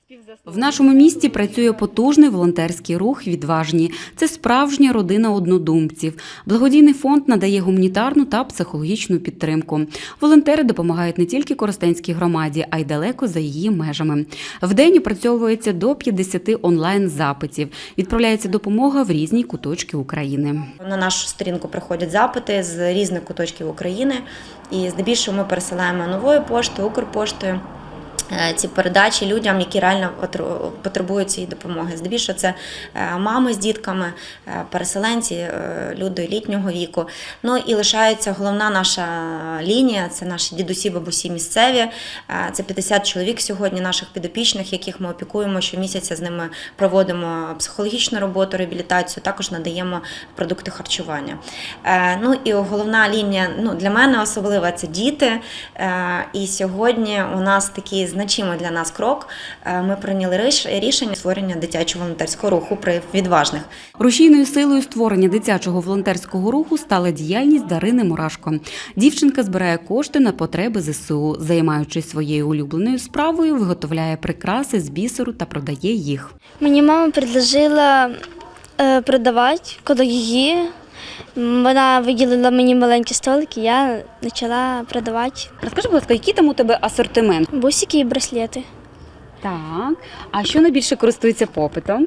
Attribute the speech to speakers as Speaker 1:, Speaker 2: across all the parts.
Speaker 1: В нашому місті працює потужний волонтерський рух «Відважні». Це справжня родина однодумців. Благодійний фонд надає гуманітарну та психологічну підтримку. Волонтери допомагають не тільки Коростенській громаді, а й далеко за її межами. Вдень опрацьовується до 50 онлайн-запитів. Відправляється допомога в різні куточки України.
Speaker 2: На нашу сторінку приходять запити з різних куточків України. І здебільшого ми пересилаємо новою поштою, Укрпоштою ці передачі людям, які реально потребують цієї допомоги. Здебільшого це мами з дітками, переселенці, люди літнього віку. Ну і лишається головна наша лінія, це наші дідусі, бабусі місцеві. Це 50 чоловік сьогодні наших підопічних, яких ми опікуємо щомісяця, з ними проводимо психологічну роботу, реабілітацію, також надаємо продукти харчування. Ну і головна лінія, для мене особлива, це діти. І сьогодні у нас такий значимий для нас крок. Ми прийняли рішення створення дитячого волонтерського руху при «Відважних».
Speaker 1: Рушійною силою створення дитячого волонтерського руху стала діяльність Дарини Мурашко. Дівчинка збирає кошти на потреби ЗСУ. Займаючись своєю улюбленою справою, виготовляє прикраси з бісеру та продає їх.
Speaker 3: Мені мама предложила продавати коло її. Вона виділила мені маленькі столики, я почала продавати.
Speaker 1: Розкажи, будь ласка, який там у тебе асортимент?
Speaker 3: Бусики і браслети.
Speaker 1: Так. А що найбільше користується попитом?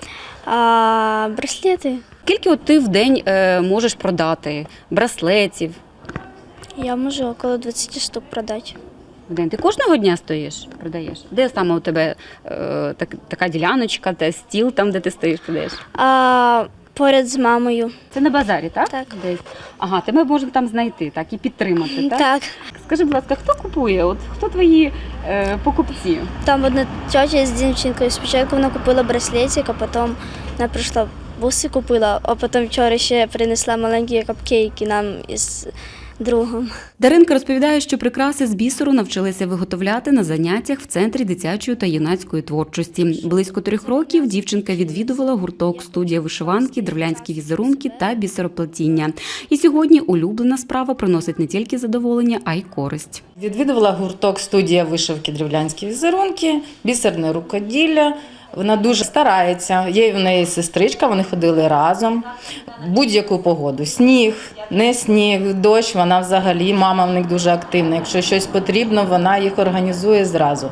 Speaker 3: Браслети.
Speaker 1: Скільки ти в день можеш продати браслетів?
Speaker 3: Я можу около 20 штук продати.
Speaker 1: В день ти кожного дня стоїш, продаєш? Де саме у тебе така діляночка, та стіл там, де ти стоїш, продаєш?
Speaker 3: Поряд з мамою.
Speaker 1: Це на базарі, так?
Speaker 3: Так.
Speaker 1: Десь. Ага, тебе можна там знайти, так, і підтримати, так?
Speaker 3: Так.
Speaker 1: Скажи, будь ласка, хто купує? Хто твої покупці?
Speaker 3: Там одна тетя з дівчинкою. Спочатку вона купила браслетик, а потім вона прийшла буси купила, а потім вчора ще принесла маленькі капкейки нам із другом.
Speaker 1: Даринка розповідає, що прикраси з бісеру навчилася виготовляти на заняттях в Центрі дитячої та юнацької творчості. Близько 3 років дівчинка відвідувала гурток «Студія вишиванки», «Древлянські візерунки» та бісероплетіння. І сьогодні улюблена справа приносить не тільки задоволення, а й користь.
Speaker 4: Відвідувала гурток «Студія вишивки», «Древлянські візерунки», «Бісерне рукоділля». Вона дуже старається, є в неї сестричка, вони ходили разом. Будь-яку погоду, сніг, не сніг, дощ, вона взагалі, мама в них дуже активна. Якщо щось потрібно, вона їх організує зразу.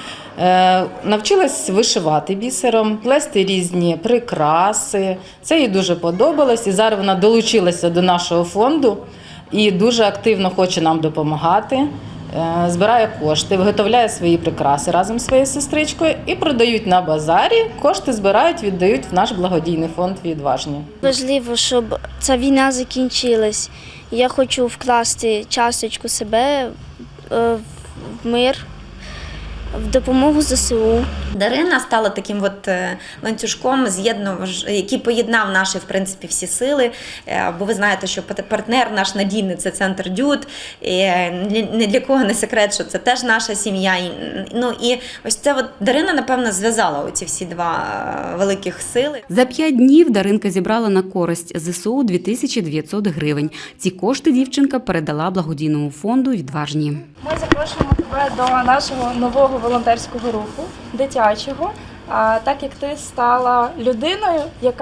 Speaker 4: Навчилась вишивати бісером, плести різні прикраси. Це їй дуже подобалось. І зараз вона долучилася до нашого фонду і дуже активно хоче нам допомагати. Збирає кошти, виготовляє свої прикраси разом з своєю сестричкою і продають на базарі. Кошти збирають, віддають в наш благодійний фонд «Відважні».
Speaker 3: Важливо, щоб ця війна закінчилась. Я хочу вкласти часточку себе в мир, в допомогу ЗСУ.
Speaker 2: Дарина стала таким ланцюжком, який поєднав наші, в принципі, всі сили. Бо ви знаєте, що партнер наш надійний – це центр «Дюд». І ні для кого не секрет, що це теж наша сім'я. І ось це Дарина, напевно, зв'язала оці всі два великих сили.
Speaker 1: За 5 днів Даринка зібрала на користь ЗСУ 2900 гривень. Ці кошти дівчинка передала благодійному фонду «Відважні».
Speaker 5: Ми запрошуємо тебе до нашого нового волонтерського руху, дитячого, так як ти стала людиною,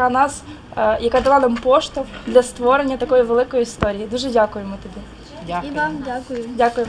Speaker 5: яка дала нам поштовх для створення такої великої історії. Дуже дякуємо тобі.
Speaker 4: Дякую.
Speaker 3: І вам дякую.
Speaker 5: Дякуємо.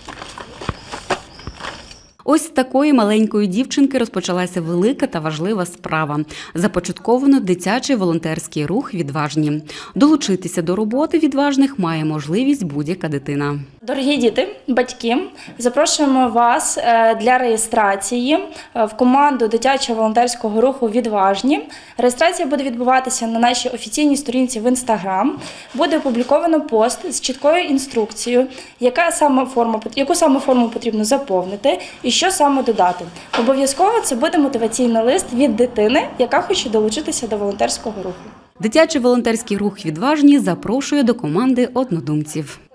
Speaker 1: Ось з такої маленької дівчинки розпочалася велика та важлива справа. Започатковано дитячий волонтерський рух «Відважні». Долучитися до роботи «Відважних» має можливість будь-яка дитина.
Speaker 5: Дорогі діти, батьки, запрошуємо вас для реєстрації в команду дитячого волонтерського руху «Відважні». Реєстрація буде відбуватися на нашій офіційній сторінці в Instagram. Буде опубліковано пост з чіткою інструкцією, яку саме форму потрібно заповнити і що саме додати. Обов'язково це буде мотиваційний лист від дитини, яка хоче долучитися до волонтерського руху.
Speaker 1: Дитячий волонтерський рух «Відважні» запрошує до команди однодумців.